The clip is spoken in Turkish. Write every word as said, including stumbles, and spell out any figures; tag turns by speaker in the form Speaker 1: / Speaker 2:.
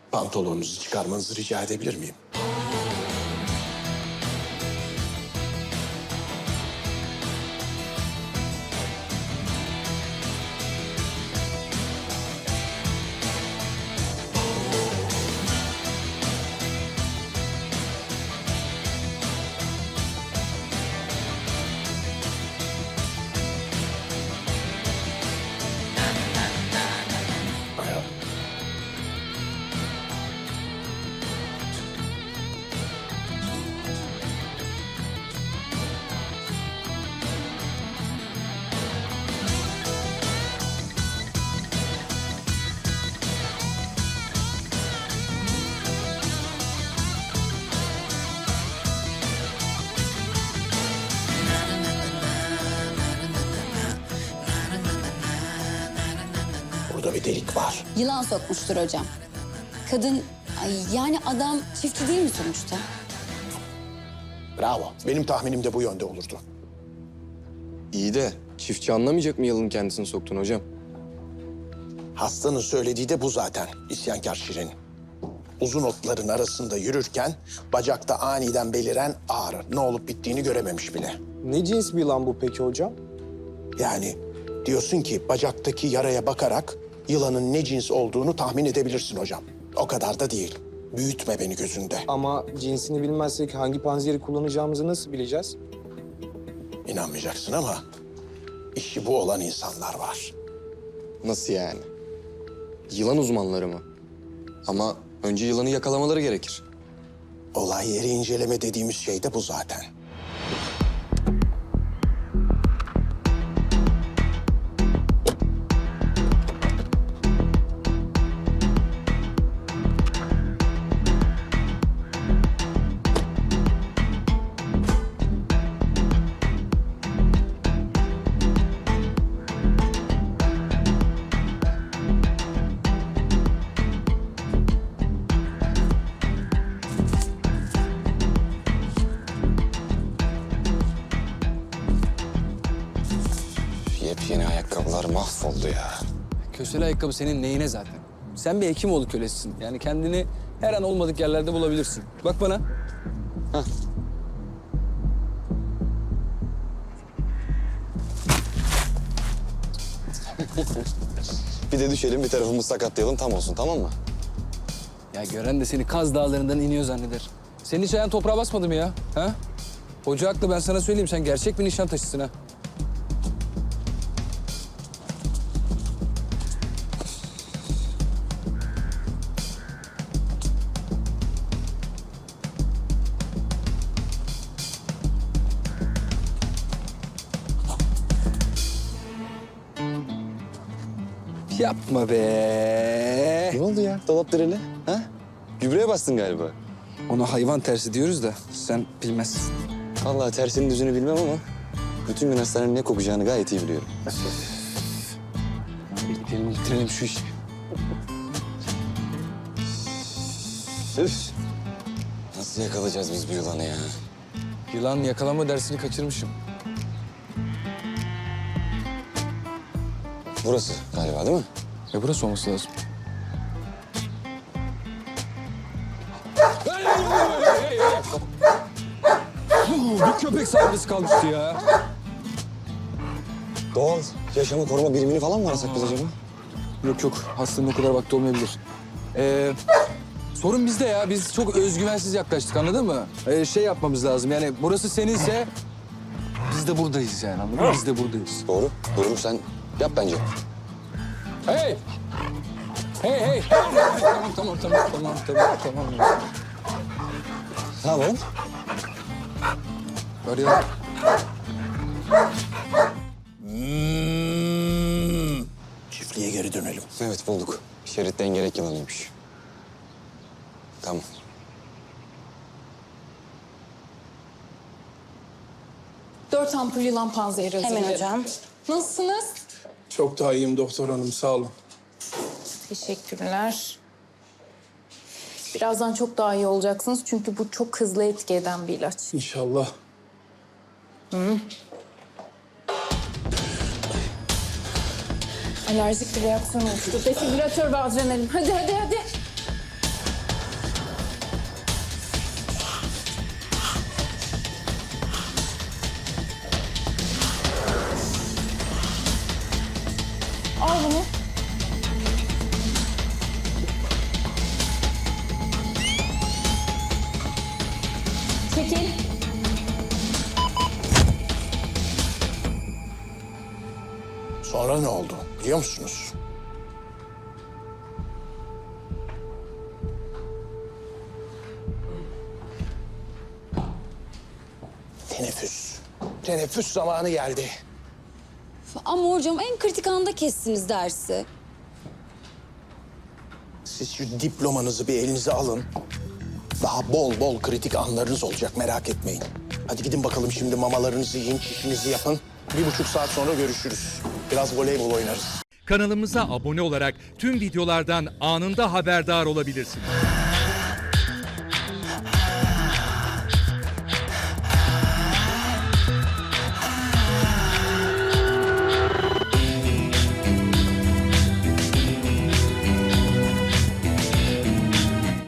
Speaker 1: Pantolonunuzu çıkarmanızı rica edebilir miyim? Burada bir delik var.
Speaker 2: Yılan sokmuştur hocam. Kadın, ay yani adam çiftçi değil mi sonuçta?
Speaker 1: Bravo. Benim tahminim de bu yönde olurdu.
Speaker 3: İyi de çiftçi anlamayacak mı yılanın kendisini soktuğunu hocam?
Speaker 1: Hastanın söylediği de bu zaten. İsyankar Şirin. Uzun otların arasında yürürken bacakta aniden beliren ağrı. Ne olup bittiğini görememiş bile.
Speaker 4: Ne cins bir yılan bu peki hocam?
Speaker 1: Yani diyorsun ki bacaktaki yaraya bakarak yılanın ne cins olduğunu tahmin edebilirsin hocam. O kadar da değil. Büyütme beni gözünde.
Speaker 4: Ama cinsini bilmezsek hangi panzehiri kullanacağımızı nasıl bileceğiz?
Speaker 1: İnanmayacaksın ama işi bu olan insanlar var.
Speaker 3: Nasıl yani? Yılan uzmanları mı? Ama önce yılanı yakalamaları gerekir.
Speaker 1: Olay yeri inceleme dediğimiz şey de bu zaten.
Speaker 3: Yepyeni ayakkabılar mahvoldu ya.
Speaker 5: Kösele ayakkabı senin neyine zaten? Sen bir Hekimoğlu kölesisin. Yani kendini her an olmadık yerlerde bulabilirsin. Bak bana. Hah.
Speaker 3: Bir de düşelim, bir tarafımızı sakatlayalım, tam olsun, tamam mı?
Speaker 5: Ya gören de seni Kaz Dağları'ndan iniyor zanneder. Senin hiç ayağın toprağa basmadı mı ya? Ha? Hoca haklı, ben sana söyleyeyim. Sen gerçek bir Nişantaşısın ha. Yapma be.
Speaker 3: Ne oldu ya? Dolap direli, ha? Gübreye bastın galiba.
Speaker 5: Ona hayvan tersi diyoruz da sen bilmezsin.
Speaker 3: Vallahi tersinin düzünü bilmem ama bütün gün hastanenin ne kokacağını gayet iyi biliyorum.
Speaker 5: Bitirelim, bitirelim şu işi.
Speaker 3: Üf. Nasıl yakalayacağız biz bu yılanı ya?
Speaker 5: Yılan yakalama dersini kaçırmışım.
Speaker 3: Burası galiba değil mi?
Speaker 5: Ya burası olması lazım. Bir köpek saldırısı kalmıştı ya.
Speaker 3: Doğal yaşamı koruma birimini falan mı arasak biz acaba?
Speaker 5: Yok yok, hastanın o kadar vakti olmayabilir. Ee, sorun bizde ya, biz çok özgüvensiz yaklaştık, anladın mı? Ee, şey yapmamız lazım, yani burası seninse biz de buradayız yani, anladın mı? Biz de buradayız.
Speaker 3: Doğru. Durum sen yap bence.
Speaker 5: Hey! Hey hey! Tamam tamam tamam tamam tamam tamam.
Speaker 3: Ne yapalım?
Speaker 5: Arayalım.
Speaker 1: Hmm. Çiftliğe geri dönelim.
Speaker 3: Evet bulduk. Şerit dengerek yılanıymış. Tamam.
Speaker 6: Dört ampul yılan panzehiri hazırlayın.
Speaker 2: Hemen hocam.
Speaker 6: Nasılsınız?
Speaker 4: Çok daha iyiyim doktor hanım, sağ olun.
Speaker 6: Teşekkürler. Birazdan çok daha iyi olacaksınız çünkü bu çok hızlı etki eden bir ilaç.
Speaker 4: İnşallah.
Speaker 6: Alerjik bir reaksiyon oluştu. Defibrilatör ve adrenalin. Hadi hadi hadi.
Speaker 2: Çekil.
Speaker 1: Sonra ne oldu biliyor musunuz? Teneffüs. Teneffüs zamanı geldi.
Speaker 2: Ama hocam en kritik anda kestiniz dersi.
Speaker 1: Siz şu diplomanızı bir elinize alın. Daha bol bol kritik anlarınız olacak, merak etmeyin. Hadi gidin bakalım şimdi, mamalarınızı yiyin, çişinizi yapın. Bir buçuk saat sonra görüşürüz. Biraz voleybol oynarız.
Speaker 7: Kanalımıza abone olarak tüm videolardan anında haberdar olabilirsiniz.